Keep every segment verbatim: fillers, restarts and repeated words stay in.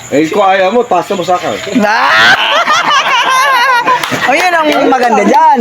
Eh, kung ayaw mo, pasa mo sa akin. O yun ang maganda dyan.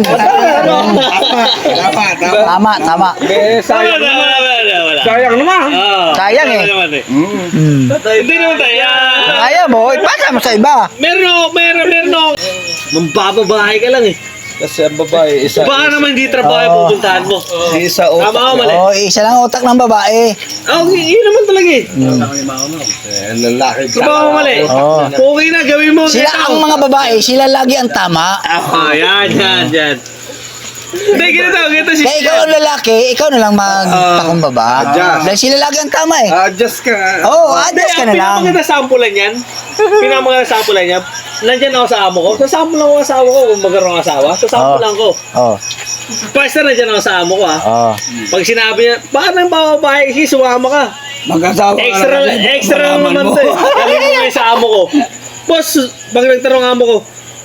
Tama, tama. Tama, tama. Eh, Wala, sayang wala, naman. wala, wala. Sayang naman. Oo. Sayang eh. Wala naman eh. Mm. Hmm. Hindi naman tayo. Ah, Ayaw mo, ipasa mo sa iba. Meron ako, meron, meron ako. Mambababahay ka lang eh. Kasi ang babae, isa. Baka naman hindi trabaho yung Oo. pupuntahan mo. Isa Tama utak. ako mali. Oo, isa lang utak ng babae. Oh, yun naman talaga eh. Eh, lalaki. Trabaho mali. Oo. Okay na, gawin mo. Sila ang mga babae, sila lagi ang tama. Ah, yan, yan, yan. Hindi, ganito, ganito si Kaya ikaw ang lalaki, ikaw na lang magpakumbaba. adjust. Dahil sila lagi ang tama eh. Adjust ka. Oo, oh, adjust ka na lang. Pinamaganda sampulan yan. Pinamaganda sampulan yan. Nandyan ako sa amo ko. Sasample lang ako sa asawa ko kung magkaroon ng asawa. Sasample Oo. lang ko. Oo. Pwesta nandyan ako sa amo ko ha. Oo. Pag sinabi niya, baka nang bababae kasi sumama ka. Mag-asawa ka Extra, lang din. extra lang Malaman naman mo. to eh. Galing mo ngayon sa amo ko. Boss, pag nagtanong ang amo ko,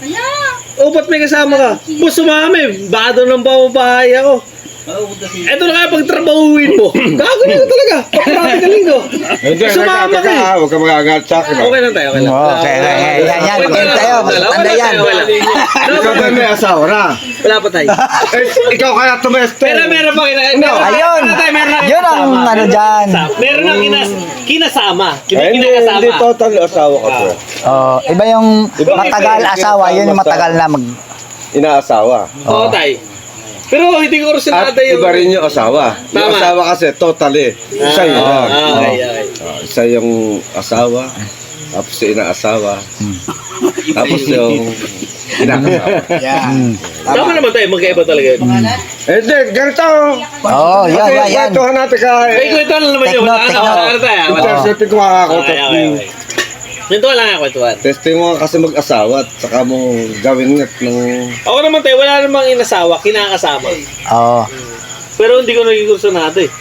o ba't may kasama ka? Boss, sumami. Baka doon ng bababae ako. Eto na kaya pagtrabahuin mo. Gagawin ko talaga. Pagkakati ka linggo. Hindi, Sumama nagkaka ka eh. ka. Huwag ka magagat sa akin. Okay lang tayo, okay lang. Oo, okay, okay, okay. Yan, yan. Magaling tayo. Tanda yan. Wala. Ikaw ba may asawa na? Wala pa tayo. Eh, ikaw kaya tumeste. Pero meron pa kina... No. Ayun. Yun ang ano dyan. Meron ang kinas, kinasama. Eh, Hindi hindi, kinakasama. hindi total asawa ka po. Oh, iba yung matagal asawa, yun yung matagal na mag... Inaasawa. Oo, tayo. Pero hindi ko rin At sinada yung... iba rin yung asawa. Yung Tama. asawa kasi totally. Isa yun. Ah, lang. okay, okay. Ah, isa yung asawa. Tapos yung inaasawa. Tapos yung inaasawa. Yan. Tama naman tayo, magkaiba talaga yun. Eh, di, ganito. Oo, yan, Kasi yan, yan. kwentuhan natin ka. May kwento lang naman yun. Tekno, Ano, tekno. ano tayo? ah? Wala. Intercepting ko makakakotot. Okay, okay, okay. Kwento lang nga kwentuhan. Testing mo kasi mag-asawa at saka mo gawin nga ng... Ako naman tayo, wala namang inasawa, kinakasama. Oo. Pero hindi ko naging kurso natin.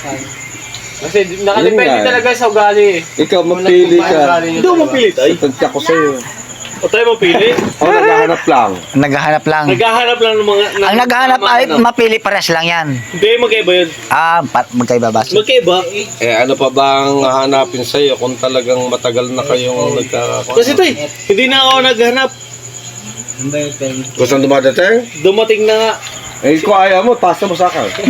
Kasi nakadepende Yun nga. talaga sa ugali eh. Ikaw, mapili ka. Hindi ako mapilit ay. Tagka ko sa'yo. O tayo mapili. Ako naghahanap lang. Naghahanap lang. Naghahanap lang ng mga... ng- Ang naghahanap mga ay ano. mapili pares lang yan. Hindi, magkaiba yun. Ah, pa- magkaiba ba? Magkaiba. Eh, ano pa bang hahanapin sa'yo kung talagang matagal na kayong nagkakakuha? Kasi ito eh, hindi na ako naghanap. Kung saan dumadating? Dumating na nga. Eh, kung ayaw mo, pasa mo sa akin.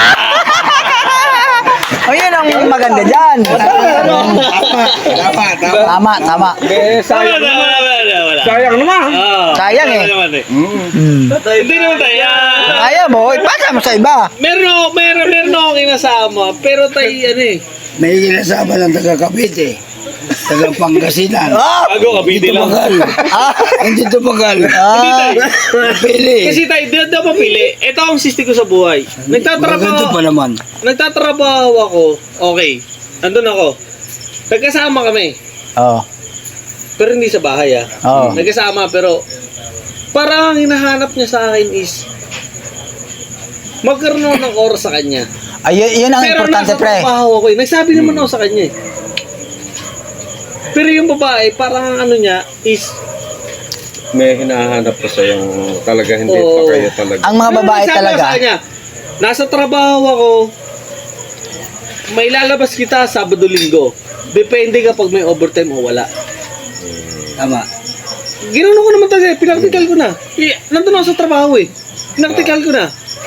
O yun ang maganda dyan. Tama, tama. Tama, tama. Eh, Wala, sayang wala, naman. wala, wala, wala. Sayang naman. Oo. Sayang eh. Wala naman eh. Mm. Hmm. Hindi naman tayo. ah, Ayaw mo, ipasa mo sa iba. Meron ako, meron, meron ako kinasama. Pero tayo, ano eh. May kinasama ng taga Cavite. Taga Pangasinan. Ah! Bago, kabiti lang. Tumagal. Ah! Hindi tumagal. Hindi Ah! tayo. Pili. Kasi tayo, di daw mapili. Ito ang sisti ko sa buhay. Maganda Nagtatrabaho, pa naman. nagtatrabaho ako. Okay. Andun ako. Nagkasama kami. Oo. Pero hindi sa bahay ah. Oo. Nagkasama pero parang ang hinahanap niya sa akin is magkaroon ako ng oras sa kanya. Ay, yun, yun ang Pero importante, nasa pre. trabaho ako eh. Nagsabi naman ako sa kanya eh. Pero yung babae, parang ano niya is May hinahanap ko sa yung talaga hindi Oo. pa kayo talaga. Ang mga Pero babae nagsabi ako talaga. Sa kanya, nasa trabaho ako, may lalabas kita Sabado-Linggo. Depende kapag may overtime o wala. Tama. Ginawa ko naman talaga, pinaktikal ko na. Eh, nandun ako sa trabaho eh. Pinaktikal ko na.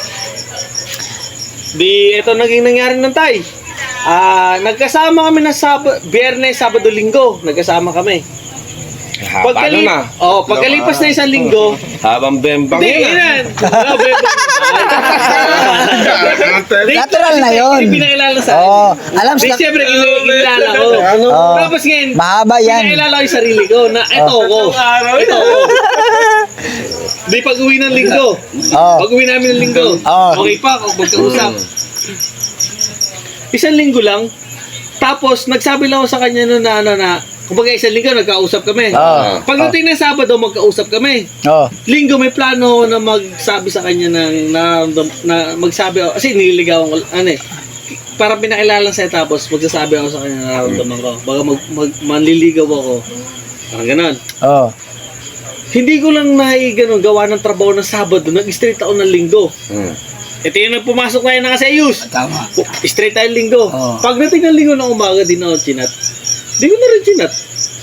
Di, ito naging nangyari ng tay. Ah, nagkasama kami na sab Biyernes, Sabado, Linggo. Nagkasama kami. Haba Pagkali- na. Oh, pagkalipas na isang linggo, Habang bembang hindi, yun. ilan. Wala, bebo. Di- Natural na yun. Hindi pinakilala sa akin. Oo. Alam Di, sa... siyempre, kinilala ko. Ano? Oo. Tapos ngayon, Mahaba yan. pinakilala ko yung sarili ko na ito ko. Ito ko. Di pag uwi ng linggo. Oo. Pag uwi namin ng linggo. Oo. Okay pa, kung magkausap. Isang linggo lang. Tapos, nagsabi lang ako sa kanya noon na ano na, kumbaga isang linggo, nagkausap kami. Oo. Pagdating ng Sabado, magkausap kami. Oo. Linggo, may plano ako na magsabi sa kanya ng, na, na magsabi ako, kasi nililigawan ko, ano eh, para pinakilala sa'yo tapos magsasabi ako sa kanya na nararamdaman ko. Baga mag, mag, manliligaw ako. Parang ganon. Oo. Hindi ko lang nai ganun, gawa ng trabaho ng Sabado, nag-straight ako ng Linggo. Hmm. Ito yung nagpumasok na yun na kasi ayus. Tama. Straight tayo Linggo. Oo. Pagdating ng Linggo ng umaga, di na ako chinat. Di ko na rin chinat.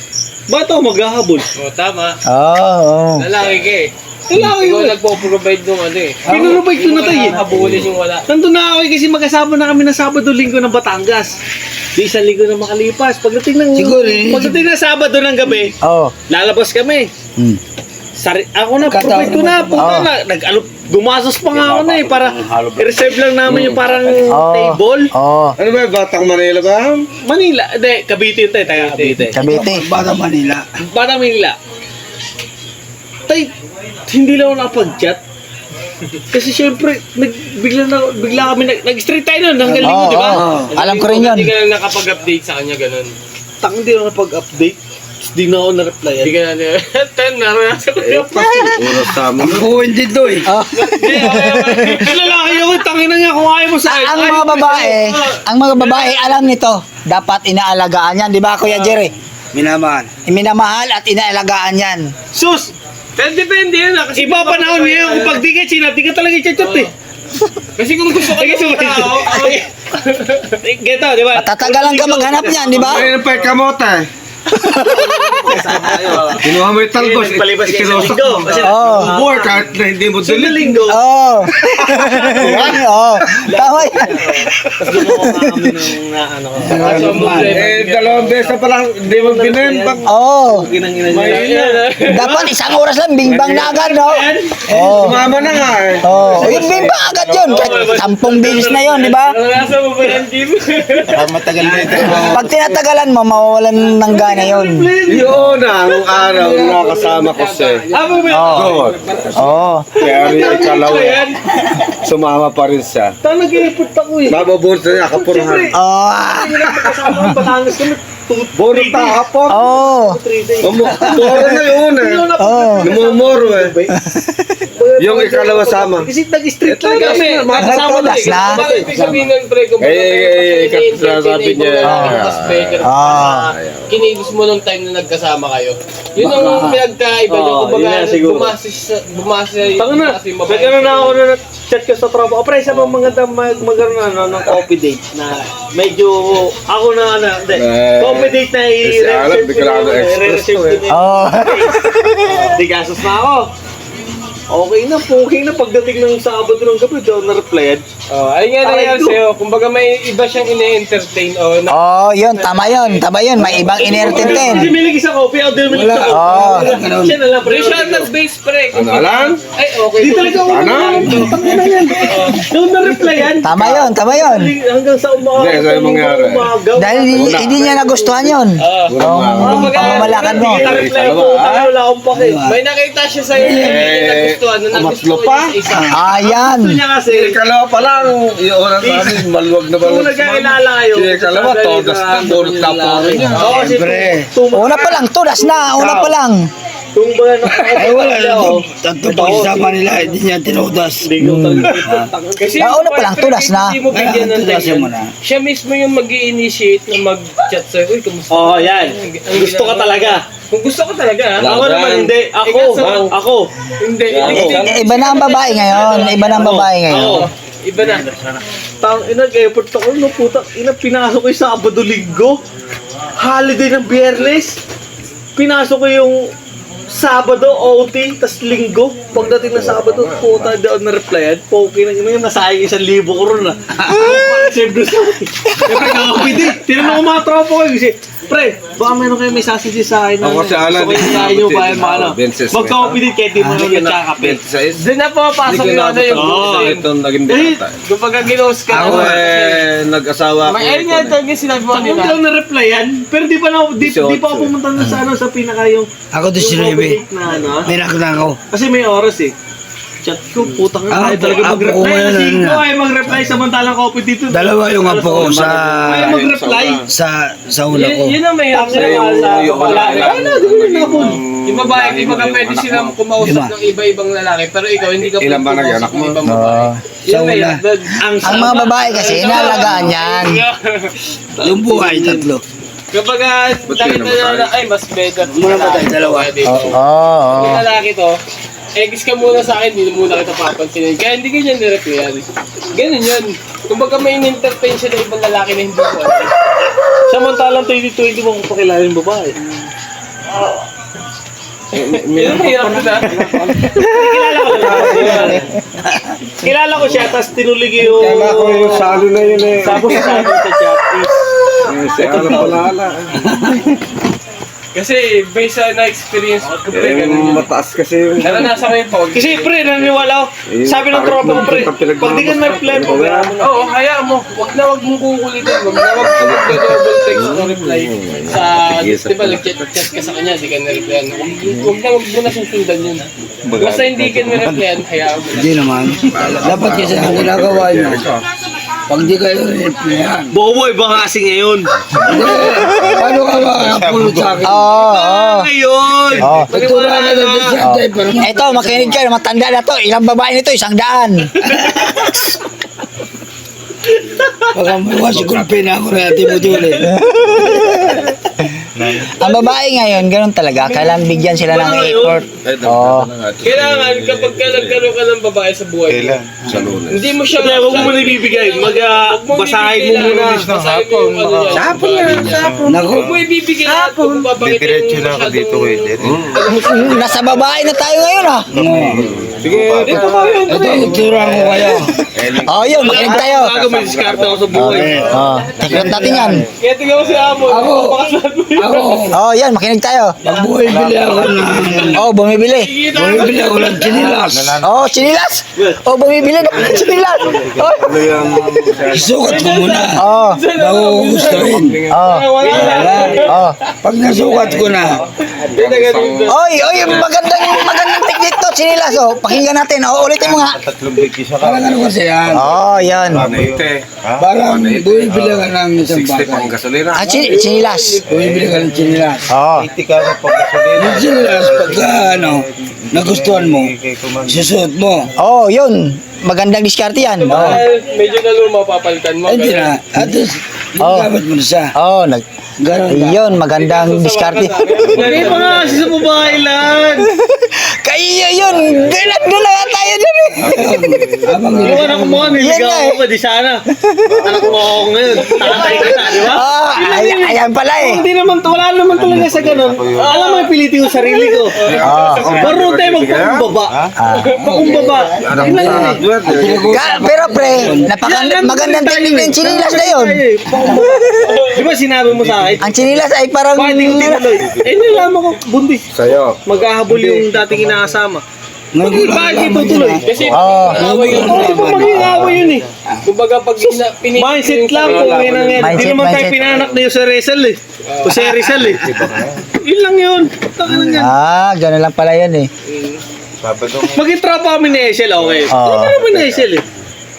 Ba't ako maghahabol? O, tama. Oo, oo. Lalaki ka eh. Lalaki Ikaw yun. nagpo-provide nung ano eh. Pinurubay ko na tayo eh. Habulin yung wala. Nandun na ako eh, kasi magkasama na kami ng Sabado-Linggo ng Batangas. Di isang linggo na makalipas. Pagdating ng, Siguro, eh. pagdating ng Sabado ng gabi, Oo. lalabas kami. Hmm. Sari, ako na, Kataon provide ko na, naman. puta Oo. na, nag, ano, gumasos pa nga ako na eh, para i-reserve lang namin yung parang Oo. table. Oo. Ano ba, Batang Manila ba? Manila, hindi, Cavite yun tayo, taga Cavite. Cavite. Bata Manila. Bata Manila. Tay, hindi lang ako nakapag-chat. Kasi syempre, nag, bigla, na, bigla kami, nag, nag-street tayo nun, hanggang linggo, Oo, di ba? oo. Alam ko rin yun. Hindi ka lang nakapag-update sa kanya, ganun. Tang, hindi ako nakapag-update. Hindi na ako na-reply. Hindi ka na, ten, naranasan ko yung Oras sa amin. Ang buwan din to eh. Oh. Lalaki ako, tangin na nga kung ayaw mo sa akin. Ang mga babae, ang mga babae alam nito, dapat inaalagaan yan, di ba Kuya Jerry? Minamahal. Minamahal at inaalagaan yan. Sus! Ten, depende yan ah. Kasi Iba pa na ngayon kung pag di ka chinat, di ka talaga i-chat eh. Kasi kung gusto ko yung tao, Geto, di ba? Matatagalan ka maghanap niyan, di ba? Ayun pa yung kamote. Kinuha mo yung talbos, Palibas ka isang ikinusok linggo. mo. Kasi Oo. Bubor, kahit na hindi mo sa dilig. linggo, Oo. Oo. Tama yan. tapos gumawa ka kami ng na ano ko. ang problema. Eh, dalawang beses pa lang, hindi mo binembang. Oo. Ginang-ina Ayun niya. yan ah. Dapat isang oras lang, bingbang na agad, no? Oo. Sumama na nga eh. Oo. Yung bingbang agad yun. Kahit sampung bilis na yun, di ba? Naranasan mo ba yan, Jim? Matagal na ito. Pag tinatagalan mo, mawawalan ng gana yun. Yun ang araw na nakasama ko siya. Amo ba? Oo. Good. Oo. Kaya rin yung kalawa. Sumama pa rin siya. Tang nag-i-report ako eh. Mababunta niya, kapurhan. Oo. Kasama ng Batangas kami. Buro ta kapor. Oo. Moro na yun eh. Oo. Namumuro eh. Yung ikalawa sama. Kasi nag-street talaga kami. Kasama na. Kasi na. bakit ibig sabihin nun, pre, kung Eh, eh, eh, kasi sabi niya, mas better Ah. kinigis mo nung time na nagkasama kayo. Yun ang pinagkaiba nyo. Oo, Kumbaga, yun na siguro. bumasis sa- bumasis Tanga na. bumasis yung babae. Nagkaroon na ako na chat ko sa tropa. O pre, sa mga maganda mag magkaroon na ano, ng coffee date na medyo ako na ano, hindi. Eh, Coffee date na kasi alam, i-reserve di ko ka lang na, express i-reserve to ko eh. na. Oo. Di gasos na ako. Okay na, okay na pagdating ng Sabado ng gabi, daw na-replyan. Oh, ayun nga nangyari Ay, sa'yo. Kumbaga may iba siyang ine-entertain o na Oo, yun. Tama yun. Tama yun. May ibang Kasi inertintin. may lagi sa coffee, ako din may Wala. sa Oo. coffee. Siya na lang, pre. Pre, siya ang nag-base pre. Ano alam? Ay, okay. Di talaga ako Ano? na yan. Nung na-replyan, Tama yun. Tama yun. hanggang sa umaga. Hindi, sa'yo mangyari. umagaw. Dahil hindi, hindi niya nagustuhan yun. Oo. Oo. Kumbaga, Pamamalakad mo. Hindi kita reply ko, tayo wala akong pake. May nakita siya sa'yo na hindi niya Eh, nagustuhan. Na umatlo nagustuhan pa? niya sa isa. Ayan. Gusto niya kasi, Ikalawa pa lang, yung oras namin, maluwag na kung balot. nagkakilala kayo, Si ikalawa, todas na, burot na po rin niya. Oo, kasi Siyempre. tum- Una pa lang. Tulas na. Una pa lang. tumbaga na Ay wala. Tanto, tanto pagsasama nila, hindi niya tinudas. Hindi ko talaga. Kasi Ah, una pa lang, pre, tulas na. Hindi mo bigyan ng Tulas time mo yan. na. Siya mismo yung mag-i-initiate na mag-chat sa'yo. Uy, kamusta? Oo, yan. Ang Gusto ka ginagawa- talaga. Kung gusto ko talaga, ha? Ako naman hindi. Ako. Ikaw sa- Ako. Hindi. Ako. hindi. I- Iba na ang babae ngayon. Iba na ang babae ngayon. Ako. Iba na. Tang ina, effort ako, no, puta. Ina, pinasok ko yung Sabado Linggo. Holiday ng Biyernes. Pinasok ko yung Sabado, O T, tas Linggo. Pagdating ng Sabado, puta, di ako na-replyan. Poki na yun, nasayang isang libo ko ron, ah. Save doon sa Siyempre, kakapit eh. Tinanong ko mga tropa ko, kasi, pre, baka meron kayo may sasadya sa akin. na- Ako si Alan, gusto ko yung eh. kain nyo ba yung mga ano. Benses, Magkakapit din, kahit di mo naman nagkakapit. twenty-six. Doon na pumapasok yung ano yung Oo. Ito naging Eh, binata. Kumbaga ginos ka Ako na. eh, nag-asawa ako. May ayun nga ito yung sinabi mo Hindi kanina. ako na-replyan, pero di pa na di, di pa ako pumunta na sa ano sa pinaka yung Ako to yung sinabi. coffee date na ano. May nakita ako. Kasi may oras eh. Chat ko, putang Ah, na tayo talaga apo ko mag-reply. ngayon, Kasi ano ko na. ay mag-reply samantalang coffee dito. Dalawa yung apo ko sa Ay mag-reply. sa sa una ko. Yun, yun ang mahirap Tangina sa'yo. wala. yung- Wala. Ay na, di ko rin napon. Yung babae, kumbaga pwede silang kumausap Lima. ng iba-ibang lalaki, pero ikaw hindi ka Ilan ba pwede nag-anak kumausap ng mo? ibang babae. Oo. Yun Sa ang una. mahirap doon. Ang Ang mga babae kasi, inalagaan yan. Yung buhay, tatlo. Kapag Ba't nakita yun ang na, ay mas better. Muna ba tayo, dalawa? Pwede. Oo. Oo. Yung lalaki to, eggs ka muna sa akin, hindi muna kita papansinin. Kaya hindi ganyan nireplyan. Ganun yun. Kumbaga may in-entertain siya na ibang lalaki na hindi ko alam. Samantalang twenty twenty mo kung pakilala yung babae. Yun ang hirap na. Kilala ko siya. Kilala ko siya, tapos tinulig yung... Kala ko yung salo na yun eh. Tapos sa akin sa chat is... Eh, Si Alan Palala. Kasi based sa na-experience ko, pre, Eh, ganun yun. mataas kasi yung... Naranasan ko yung pag. Kasi pre, naniniwala ko. Sabi ng tropa ko pre, pag di ka may plan, pabayaan mo na. Oo, hayaan mo. Wag na wag mong kukulitin. Wag na wag ka mag-double text o reply. Sa, di ba, nag-chat ka sa kanya, di ka na-replyan. Wag wag na wag mo na susundan yun. Basta hindi ka na-replyan, hayaan mo na. Hindi naman. Dapat kasi ang ginagawa nyo, pag di kayo rin-replyan. Boboy, baka kasi ngayon. Hindi, paano ka makakapulot sa akin? Oo, oo. Ngayon! Oo. Pagtura na lang din siya, tayo, pero Ito, makinig kayo, matanda na to. Ilang babae nito, isang daan. baka maluwa si Gulpin ako na ati mo duli. Ang babae ngayon, ganun talaga. Kailangan bigyan sila ng effort. Oo. Kailangan kapag ka nagkaroon ka ng babae sa buhay mo, Sa lunes. hindi mo siya... Hindi, huwag mo muna ibibigay. Mag, uh, Huwag mo basahin mo ibibigay muna. lahat. Basahin mo yung ano niya. Sapon na, sapon. Naku, Huwag mo ibibigay lahat kung papakita yung masyadong... Nasa babae na tayo ngayon, ah. Sige, Dito ka yun, ito pre. itura ko kayo. Oo, yun, makinig tayo. Bago may diskarte ako sa buhay. Oo, take note natin yan. Kaya tingnan mo si Amo. Ako. Napakasad mo yun. Ako, Oo, yan, makinig tayo. pag buhay-bili ako ng... Oo, bumibili. Kikita ka. Buhay-bili ako ng chinilas. Oo, chinilas. Oo, bumibili na ng chinilas. Oo. ano yung... Isukat ko muna. Oo. Bago ko gustuhin. Oo. Wala na. Oo. Pag nasukat ko na, Hindi na ganun doon. Oy, oy, magandang magandang technique to, chinilas. Oh, pakinggan natin. Oo, ulitin mo nga. parang ano kasi yan. Oo, yan. Panete. Parang buhay-bili ka ng isang sixty pang bagay. gasolina. Ah, chin chinilas. Buhay-bili ka ng chinilas. Oo. Yung chinilas, pagka ano, nagustuhan mo, susuot mo. Oo, yun. Magandang diskarte yan. Oo. Dahil medyo na luma papalitan mo. Ay, di na. At least, Oh. gamit mo na siya. Oo, nag Ganun ba? Ayun, magandang diskarte. Hindi pa nga kasi sa babae lang. Kaya yun, galat na lang tayo dyan eh. Habang Yung anak mo, Yan niligaw nga ako pa, di sana. Anak mo ako ngayon. Tatay kita, di ba? Oo, ay, ayan pala eh. Hindi naman, wala naman talaga sa ganun. Alam mo, pilitin ko sarili ko. Oo. Marunong tayo magpakumbaba. Pakumbaba. Anak mo sa hardware. eh. Ka- pero pre, napaka magandang technique ng chinilas na yun. Di ba sinabi mo sa akin? Ang chinilas ay parang... Bakit hindi ko tinuloy? Eh, nalaman ko, buntis. Sa'yo. Mag-ahabol yung dating inaasama. Ngayon ko lang Bakit hindi nalaman tutuloy? yun. Kasi Oo. away yun. Oo, di ba maging away yun eh? Kumbaga pag ina- pinipili Mindset yung lang sarili kung mo, may nangyari. Hindi Mindset, naman tayo mindset. pinanak na yung sa Rizal eh. O si Rizal eh. Yun lang yun. Taka lang yan. Ah, gano'n lang pala yan eh. Maging tropa kami ni Eshel, okay? Oo. Tropa kami ni Eshel eh.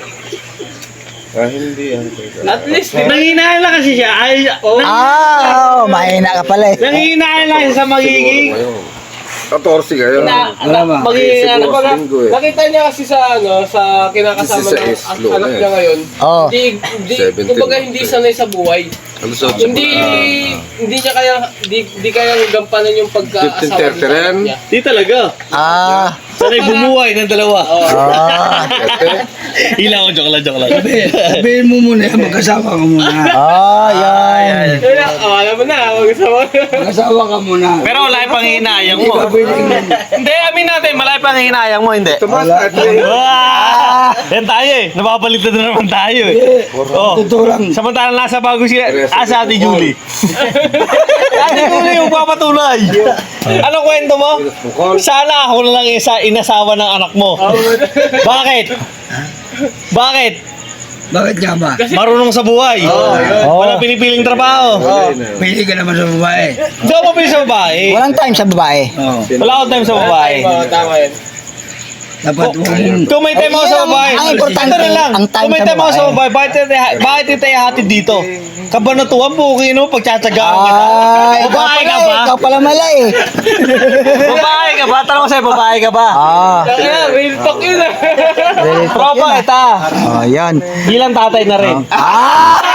At least, di ba? Nanginahal lang kasi siya. Ay, oh, Ah, oh, mahina ka pala eh. nanginahal lang siya sa magiging fourteen kayo. Na, Wala ba? magiging Siguro ano, kumbaga, linggo eh. nakita niya kasi sa ano, sa kinakasama ng sixty-six an- low anak na niya eh. ngayon. Oo. Hindi, hindi, seventeen. kumbaga hindi sanay sa buhay. Ano sa Hindi, hindi niya kaya, hindi, hindi kaya gampanan yung pagkaasawa fifteen thirty rin. niya. Di talaga. Ah, Sanay bumuhay ng dalawa. ah, Hila ko, joke lang, joke lang. Sabihin mo muna, magkasawa ka muna. ah, yan. Kaya, oh, alam mo na, mag-asawa. Magkasawa ka muna. Pero wala pang hinayang Hindi mo. ka pwedeng Hindi, amin natin, malaki pang hinayang mo, hindi. Tumas na ito eh. Ah! Yan tayo eh. Napapalitan na naman tayo eh. Oh. tuturang. Samantalang nasa bago siya. Ah, sa Ate Julie. Ate Julie yung papatunay. Ano kwento mo? Sana ako na lang isa inasawa ng anak mo. Bakit? Bakit? Bakit nga ba? Marunong sa buhay. Wala pinipiling trabaho. Pili ka naman sa babae. Hindi ako mapili sa babae. Walang time sa babae. Oo. Wala akong time sa babae. Tama, tama yun. Dapat huwag mong... Kung may time ako sa babae, Ang importante, ito na lang. ang time Kung may sa time ako sa babae. babae, bakit tayo- bakit tayo tayo hatid dito? Kabanatuan po, kung ino, pagtsatsagaan kita. Ay, ikaw Babae pala ka eh. ba? Ikaw pala mala eh. Babae ka ba? Tanong ko sa'yo, babae ka ba? Ah, Kaya, real talk yun ah. very Tropa kita. Oh, yan. Bilang tatay na rin. Ah!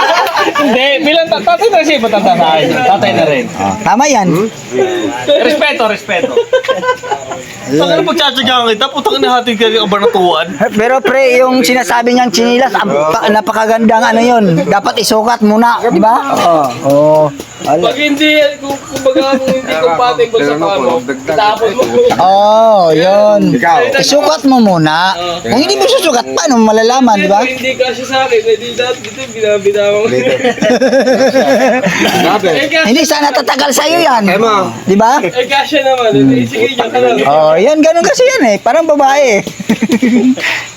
Hindi, bilang ta- tatay na siya, matanda sa akin. Tatay na rin. Oh, tama yan. Respeto, respeto. Pag ano pagtsatsagaan kita, putang ina hatid ka ng kabanatuan. Pero pre, yung sinasabi niyang chinilas, ang pa- napakagandang ano yun. Dapat isukat muna, di ba? Oo. Oh. Pag hindi, kung kumbaga kung hindi compatible sa kamo, tapos mo. Oh, yun. Isukat mo muna. Kung hindi mo susukat, paano mo malalaman, di ba? Kung hindi kasi sa akin, hindi dati dito binabitawan ko. Eh kasi, Hindi sana tatagal sa'yo yan. Di ba? eh kasi naman, eh, sige, diyan ka lang. Oh, yan, ganun kasi yan eh. Parang babae eh.